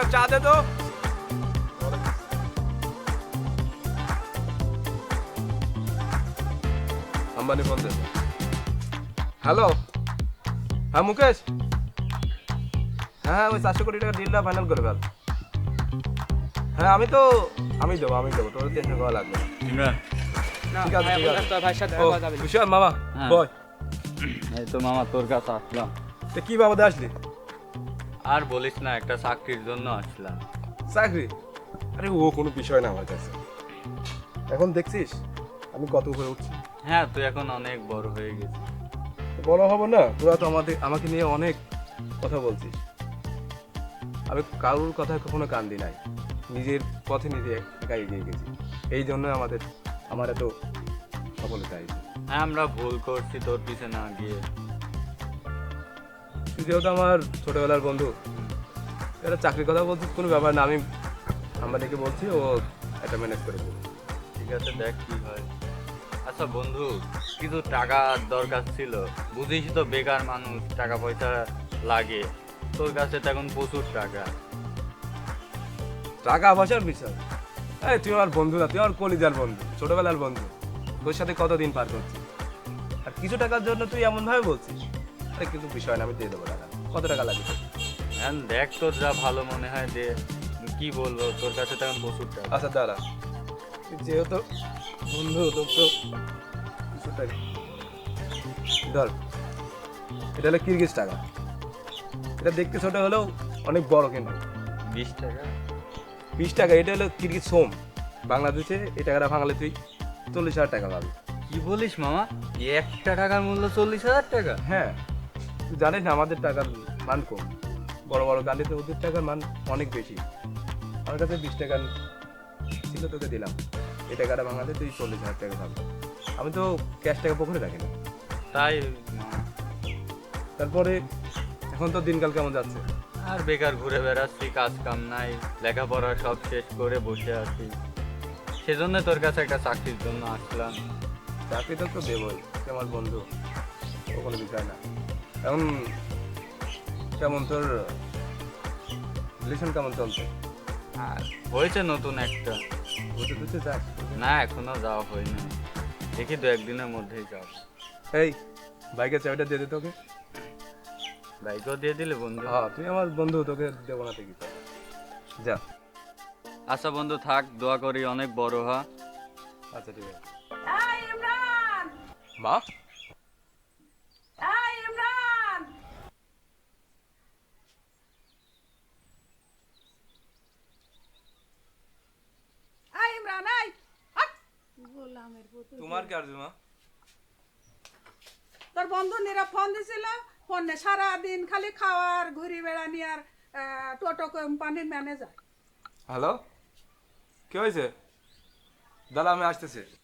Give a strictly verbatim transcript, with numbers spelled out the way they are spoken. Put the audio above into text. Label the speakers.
Speaker 1: চা দে তো। আম্বানি ফোন দে। হ্যালো, হ্যাঁ মুকেশ। হ্যাঁ ওই চারশো কোটি টাকা ডিলটা ফাইনাল করে ফেল। হ্যাঁ আমি তো আমি দেবো আমি দেবো, তোর টেনশন করা লাগবে না।
Speaker 2: ইমরান,
Speaker 1: ঠিক আছে ঠিক আছে।
Speaker 3: ভাইয়ের সাথে
Speaker 1: ও,
Speaker 3: দেখা করা যাবে না।
Speaker 1: বিশাল মামা
Speaker 2: হ্যাঁ।
Speaker 1: বয়।
Speaker 2: এই তো মামা তোর কাছে আসলাম।
Speaker 1: তো কি বাবাদে আসলি?
Speaker 2: আর বলিস না, একটা চাকরির জন্য আসলাম।
Speaker 1: চাকরি? আরে ও কোনো বিষয় না আমার কাছে। এখন দেখছিস আমি কত উপরে উঠছি।
Speaker 2: হ্যাঁ, তুই এখন অনেক বড় হয়ে গেছিস।
Speaker 1: বড় হবো না, তোরা তো আমাদের আমাকে নিয়ে অনেক কথা বলছিস। আমি কারোর কথায় কখনো কান দিই নাই, নিজের পথে নিজে একা এগিয়ে গেছি। এই জন্য আমাদের আমার এত সফলতা হয়েছে।
Speaker 2: হ্যাঁ, আমরা ভুল করছি তোর পিছে না গিয়ে।
Speaker 1: তুই যেহেতু আমার ছোটবেলার বন্ধু, এটা চাকরির কথা বলছিস কোনো ব্যাপার না। আমি আমাদেরকে বলছি ও একটা ম্যানেজ করে দেবো।
Speaker 2: ঠিক আছে, দেখ কি হয়। আচ্ছা বন্ধু, কিছু টাকার দরকার ছিল। বুঝিস তো বেকার মানুষ, টাকা পয়সা লাগে। তোর কাছে তো এখন প্রচুর টাকা।
Speaker 1: টাকা পয়সার বিষয়? আরে তুই আমার বন্ধু না, তুই আমার কলিজার বন্ধু, ছোটবেলার বন্ধু। তোর সাথে কতদিন পার করছি, আর কিছু টাকার জন্য তুই এমন ভাবে বলছিস। আরে কিন্তু বিষয় না, আমি দিয়ে দেবো টাকা। কত টাকা লাগবে তোর?
Speaker 2: হ্যাঁ দেখ, তোর যা ভালো মনে হয় দে। কি বলবো, তোর কাছে তো এখন প্রচুর টাকা।
Speaker 1: আচ্ছা দাঁড়া, তুই যেহেতু বন্ধু তোর তো কিছু টাকা ধর। এটা হলো কিরগিজ টাকা। এটা দেখতে ছোট হলেও অনেক বড় কিন্তু।
Speaker 2: বিশ টাকা?
Speaker 1: বিশ টাকা? এটা হলো কিরগিজ সোম। বাংলাদেশে এই টাকাটা ভাঙালে তুই চল্লিশ হাজার টাকা পাবি।
Speaker 2: কি বলিস মামা, একটা টাকার মূল্য চল্লিশ হাজার টাকা?
Speaker 1: হ্যাঁ, তুই জানিস না আমাদের টাকার মান কম। বড় বড় গাড়িতে ওদের টাকার মান অনেক বেশি। আমার কাছে বিশ টাকা ছিল, তোকে দিলাম। এই টাকাটা ভাঙালে তুই চল্লিশ হাজার টাকা পাবি। আমি তো ক্যাশ টাকা পকেটে রাখি না।
Speaker 2: তাই মামা।
Speaker 1: তারপরে এখন তো দিনকাল কেমন যাচ্ছে?
Speaker 2: আর বেকার ঘুরে বেড়াচ্ছি, কাজ কাম নাই, লেখাপড়া সব শেষ করে বসে আছি। সেজন্য তোর কাছে একটা চাকরির জন্য আসলাম।
Speaker 1: চাকরি তো তো দেবই, তুই আমার বন্ধু, ও কোনো বিষয় না। এখন কেমন তোর রিলেশন কেমন চলছে?
Speaker 2: আর হয়েছে নতুন একটা।
Speaker 1: বুঝতে বুঝতে চাস?
Speaker 2: না, এখনো যাওয়া হয়নি। দেখি দু একদিনের মধ্যেই যাব।
Speaker 1: এই বাইকের চাবিটা দিয়ে দে তোকে।
Speaker 2: বাইকও দিয়ে দিলে বন্ধু?
Speaker 1: হ্যাঁ তুই আমার বন্ধু, তোকে দেবো না ঠিকই। যা।
Speaker 2: আচ্ছা বন্ধু থাক, দোয়া করি অনেক বড় হ।
Speaker 1: আচ্ছা ঠিক আছে।
Speaker 4: এই ইমরান,
Speaker 1: মা,
Speaker 4: এই ইমরান, এই ইমরান, এই হাট! গোলামের পুতুল।
Speaker 1: তোমার কি আরজু মা?
Speaker 4: তোর বন্ধু নীরব ফোন দিছিল, ফোনে সারা দিন খালি খাওয়ার ঘুরি বেড়ানি আর আহ, টোটো কোম্পানির ম্যানেজার।
Speaker 1: হ্যালো, কি হয়েছে? দাদা আমি আসতেছি।